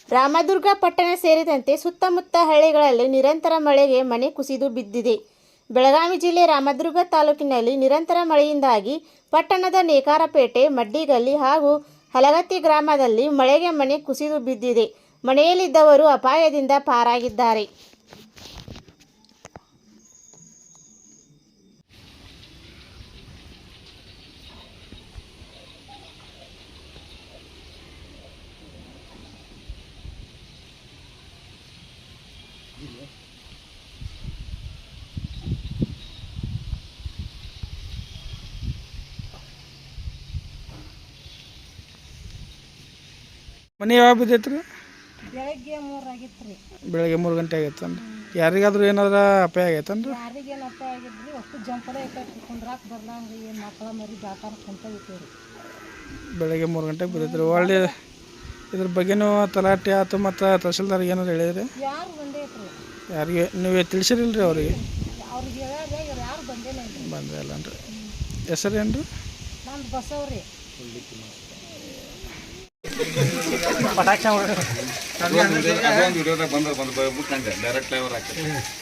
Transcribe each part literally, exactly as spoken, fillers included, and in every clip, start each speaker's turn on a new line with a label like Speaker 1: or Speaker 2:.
Speaker 1: ರಾಮದುರ್ಗ ಪಟ್ಟಣ ಸೇರಿದಂತೆ ಸುತ್ತಮುತ್ತ ಹಳ್ಳಿಗಳಲ್ಲಿ ನಿರಂತರ ಮಳೆಗೆ ಮನೆ ಕುಸಿದು ಬಿದ್ದಿದೆ. ಬೆಳಗಾವಿ ಜಿಲ್ಲೆ ರಾಮದುರ್ಗ ತಾಲೂಕಿನಲ್ಲಿ ನಿರಂತರ ಮಳೆಯಿಂದಾಗಿ ಪಟ್ಟಣದ ನೇಕಾರಪೇಟೆ, ಮಡ್ಡಿಗಲ್ಲಿ ಹಾಗೂ ಹಲಗತ್ತಿ ಗ್ರಾಮದಲ್ಲಿ ಮಳೆಗೆ ಮನೆ ಕುಸಿದು ಬಿದ್ದಿದೆ. ಮನೆಯಲ್ಲಿದ್ದವರು ಅಪಾಯದಿಂದ ಪಾರಾಗಿದ್ದಾರೆ.
Speaker 2: ಮನೆ ಯಾವಾಗ ಬಿದ್ದೈತೆ ರೀ?
Speaker 3: ಬೆಳಗ್ಗೆ ಮೂರು ಆಗಿತ್ತು ರೀ.
Speaker 2: ಬೆಳಗ್ಗೆ ಮೂರು ಗಂಟೆ ಆಗೈತೇನು ರೀ? ಯಾರಿಗಾದ್ರೂ ಏನಾರ ಅಪಾಯ ಆಗೈತೇನು ರೀ?
Speaker 3: ಯಾರಿಗೇನು ಅಪಾಯ ಆಗಿದ್ರಿ? ಅಷ್ಟು ಜಂಪದ ಐತೆ ಕುಂದ್ರಾಕ್ ಬರ್ದಂಗೆ ಏನು ಮಕ್ಕಳ ಮರಿ ಜಾತಾರ ಕುಂತ ಇತ್ತು ರೀ.
Speaker 2: ಬೆಳಗ್ಗೆ ಮೂರು ಗಂಟೆಗೆ ಬಿದ್ದೈತೆ ರೀ. ಒಳ್ಳೆ ಇದ್ರ ಬಗ್ಗೆನೂ ತಲಾಟೆ ಆಯ್ತು ಮತ್ತು ತಹಸೀಲ್ದಾರ್ಗೆ ಏನಾರು ಹೇಳಿದ್ರಿ?
Speaker 3: ಯಾರು ಬಂದೇ ಐತ್ರಿ?
Speaker 2: ಯಾರಿಗೆ ನೀವು ತಿಳಿಸಿರಿಲ್ಲ ರೀ ಅವ್ರಿಗೆ?
Speaker 3: ಅವ್ರಿಗೆ ಹೇಳ್ಯಾರ, ಇವ್ರು ಯಾರು ಬಂದೇನ ಇಲ್ಲ.
Speaker 2: ಬಂದೇ ಇಲ್ಲ ರೀ. ಹೆಸರು ಏನು ರೀ?
Speaker 3: ನಂದು ಬಸವ್ರಿ.
Speaker 4: ಪಟಾಕ್ಷ ವಿಡಿಯೋದಾಗ ಬಂದ ಬಂದು ಬಿಟ್ಟಂಗೆ ಡೈರೆಕ್ಟ್ ಲೈವರ್ ಹಾಕಿ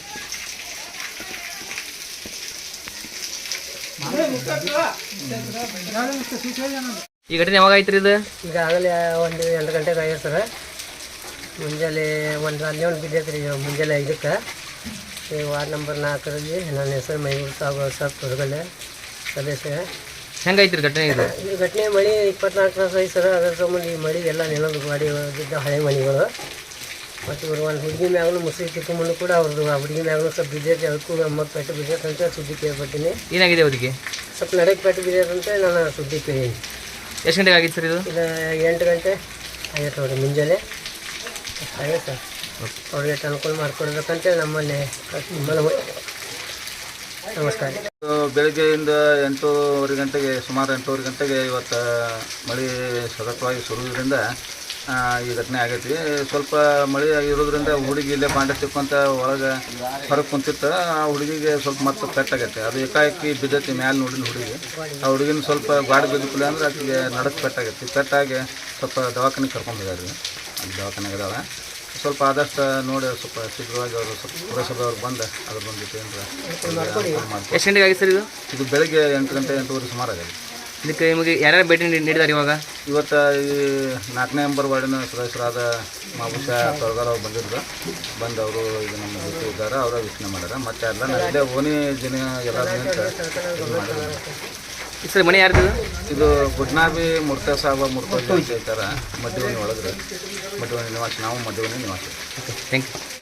Speaker 5: ಈ ಘಟನೆ ಯಾವಾಗ ಆಯ್ತು ರೀ? ಇದು
Speaker 6: ಈಗಾಗಲೇ ಒಂದು ಎಂಟು ಗಂಟೆಗೆ ಆಗೈತೆ ಸರ್. ಮುಂಜಾನೆ ಒಂದು ಹನ್ನೆರಡು ಬಿದ್ದೈತೆ ರೀ. ಮುಂಜಾನೆ ಐದಕ್ಕೆ ಈ ವಾರ್ಡ್ ನಂಬರ್ ನಾಲ್ಕರಲ್ಲಿ ನನ್ನ ಹೆಸರು ಮೈಗೂರು ಸಾಬ್ ಸಾಬ್ ತೊಡಗಲ್ಲೆ ಸದಸ್ಯ.
Speaker 5: ಹೆಂಗಾಯ್ತು ರೀ ಘಟನೆ? ಇದು
Speaker 6: ಈ ಘಟನೆ ಮಳೆ ಇಪ್ಪತ್ನಾಲ್ಕು ತಾಸು ಐತೆ ಸರ್. ಅದರ ಸಂಬಂಧ ಈ ಮಳೆ ಎಲ್ಲ ನೆಲದ ಗಾಡಿ ಬಿದ್ದ ಹಳೆ ಮನೆಗಳು. ಮತ್ತು ಇವರು ಒಂದು ಹುಡುಗಿ ಮ್ಯಾಗಲೂ ಮುಸುರಿ ಕಿತ್ಕೊಂಡ್ಬಂದು ಕೂಡ ಅವ್ರದ್ದು ಆ ಹುಡುಗಿ ಮ್ಯಾಗಲೂ ಸ್ವಲ್ಪ ಬಿದ್ದೈತೆ. ಅದಕ್ಕೂ ನಮ್ಮ ಪೆಟ್ಟು ಬಿದ್ದೈತೆ ಅಂತ ಸುದ್ದಿ ಕೇಳ್ಪಟ್ಟಿನಿ.
Speaker 5: ಏನಾಗಿದೆ ಅವರಿಗೆ?
Speaker 6: ಸ್ವಲ್ಪ ನಡಕ್ಕೆ ಪೆಟ್ಟು ಬಿದ್ದೈತೆ ಅಂತ ನಾನು ಸುದ್ದಿ ಕೇಳೀನಿ.
Speaker 5: ಎಷ್ಟು ಗಂಟೆಗೆ ಆಗಿತ್ತು ಸರ್ ಇದು?
Speaker 6: ಇದು ಎಂಟು ಗಂಟೆ ಆಗೈತೆ ನೋಡಿರಿ ಮುಂಜಾನೆ ಆಗೈತೆ ಸರ್. ಅವ್ರಿಗೆ ಅನುಕೂಲ ಮಾಡಿಕೊಡ್ಬೇಕಂತೇಳಿ ನಮ್ಮಲ್ಲಿ ಮನವಿ. ನಮಸ್ಕಾರ.
Speaker 4: ಬೆಳಗ್ಗೆಯಿಂದ ಎಂಟೂವರೆ ಗಂಟೆಗೆ ಸುಮಾರು ಎಂಟೂವರೆ ಗಂಟೆಗೆ ಇವತ್ತು ಮಳೆ ಸತತವಾಗಿ ಸುರುವುದರಿಂದ ಈ ಘಟನೆ ಆಗೈತಿ. ಸ್ವಲ್ಪ ಮಳೆ ಇರೋದ್ರಿಂದ ಹುಡುಗಿ ಇಲ್ಲೇ ಬಾಂಡೆ ತಿಕ್ಕೊಂತ ಒಳಗೆ ಹೊರಗೆ ಕುಂತಿತ್ತು. ಆ ಹುಡುಗಿಗೆ ಸ್ವಲ್ಪ ಮತ್ತೆ ಪೆಟ್ಟಾಗೈತೆ. ಅದು ಏಕಾಏಕಿ ಬಿದ್ದೈತಿ ಮ್ಯಾಲೆ ನೋಡಿದ ಹುಡುಗಿ. ಆ ಹುಡುಗಿನ ಸ್ವಲ್ಪ ಗಾಡಿ ಬಿದ್ದಿಲ್ಲ ಅಂದ್ರೆ ಆಕೆಗೆ ನಡಕ್ಕೆ ಪೆಟ್ಟಾಗೈತಿ. ಪೆಟ್ಟಾಗಿ ಸ್ವಲ್ಪ ದವಾಖಾನೆಗೆ ಕರ್ಕೊಂಡ್ಬಿದ್ದಾರೆ. ಅಲ್ಲಿ ದವಾಖಾನೆಗೆ ಇದಾವೆ. ಸ್ವಲ್ಪ ಆದಷ್ಟು ನೋಡಿ ಸ್ವಲ್ಪ ಶೀಘ್ರವಾಗಿ ಅವರು ಸ್ವಲ್ಪ ಪುರಸಭೆಯವ್ರು ಬಂದು ಅದ್ರ ಬಂದಿತ್ತು ಏನಾರ
Speaker 5: ಎಷ್ಟು ಗಂಟೆಗೆ ಆಗಿತ್ತು ಸರ್ ಇದು?
Speaker 4: ಇದು ಬೆಳಗ್ಗೆ ಎಂಟು ಗಂಟೆ ಎಂಟೂವರೆ ಸುಮಾರು ಆಗಿದೆ.
Speaker 5: ಇದಕ್ಕೆ ನಿಮಗೆ ಯಾರ್ಯಾರು ಭೇಟಿ ನೀಡಿದ್ದಾರೆ ಇವಾಗ?
Speaker 4: ಇವತ್ತು ಈ ನಾಲ್ಕನೇ ನಂಬರ್ ವಾರ್ಡಿನ ಸದಸ್ಯರಾದ ಮಾಬುಷ ತೊಳಗಾರ್ ಅವ್ರು ಬಂದಿದ್ರು. ಬಂದು ಅವರು ಈಗ ನಮ್ಮ ಜೊತೆ ಇದ್ದಾರೆ. ಅವರ ವೀಕ್ಷಣೆ ಮಾಡ್ಯಾರ. ಮತ್ತು ಎಲ್ಲ ನಾವು ಇಲ್ಲೇ ಓಣಿ ಜನ ಎಲ್ಲ ಮಾಡಿದ್ದಾರೆ.
Speaker 5: ಸರ್ ಮನೆ ಯಾರ್ದು?
Speaker 4: ಇದು ಗುಡ್ನಾಬಿ ಮುರ್ತಾ ಸಾಬ ಮುರ್ತಾ ಇದ್ದಾರೆ. ಮಡ್ಡಿವಣಿ ಒಳಗ್ರೆ ಮಡ್ಡಿವಣಿ ನಿವಾಸ. ನಾವು ಮಡ್ಡಿವಣಿ ನಿವಾಸ.
Speaker 5: Thank you.